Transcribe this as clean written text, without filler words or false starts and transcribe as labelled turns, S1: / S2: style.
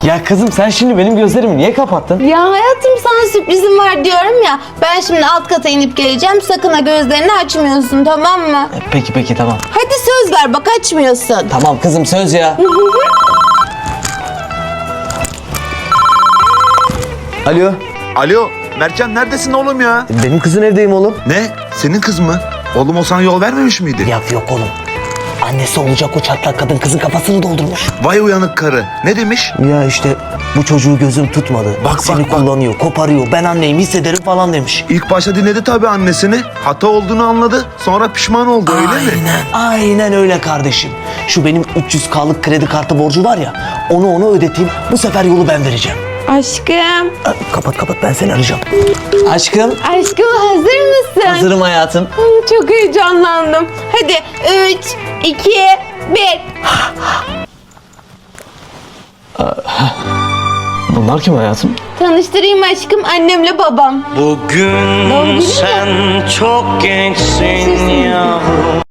S1: Ya kızım sen şimdi benim gözlerimi niye kapattın?
S2: Ya hayatım sana sürprizim var diyorum ya. Ben şimdi alt kata inip geleceğim. Sakın ha gözlerini açmıyorsun, tamam mı?
S1: Peki tamam.
S2: Hadi söz ver bak, açmıyorsun.
S1: Tamam kızım söz ya. Alo.
S3: Alo, Mertcan neredesin oğlum ya?
S1: Benim kızın evdeyim oğlum.
S3: Ne? Senin kız mı? Oğlum o sana yol vermemiş miydi?
S1: Ya yok oğlum. Annesi olacak o çatlak kadın kızın kafasını doldurmuş.
S3: Vay uyanık karı. Ne demiş?
S1: Ya işte bu çocuğu gözüm tutmadı.
S3: Bak,
S1: Seni
S3: bak, bak.
S1: kullanıyor, koparıyor. Ben anneyim hissederim falan demiş.
S3: İlk başta dinledi tabii annesini. Hata olduğunu anladı. Sonra pişman oldu öyle mi?
S1: Aynen öyle kardeşim. Şu benim 300K'lık kredi kartı borcu var ya, onu ödeteyim. Bu sefer yolu ben vereceğim.
S2: Aşkım.
S1: Kapat ben seni arayacağım. Aşkım.
S2: Aşkım hazır mısın?
S1: Hazırım hayatım.
S2: Çok heyecanlandım. Hadi 3, 2, 1.
S1: Bunlar kim hayatım?
S2: Tanıştırayım aşkım, annemle babam.
S4: Bugün
S2: Doğum günü mü?
S4: sen çok gençsin yavrum.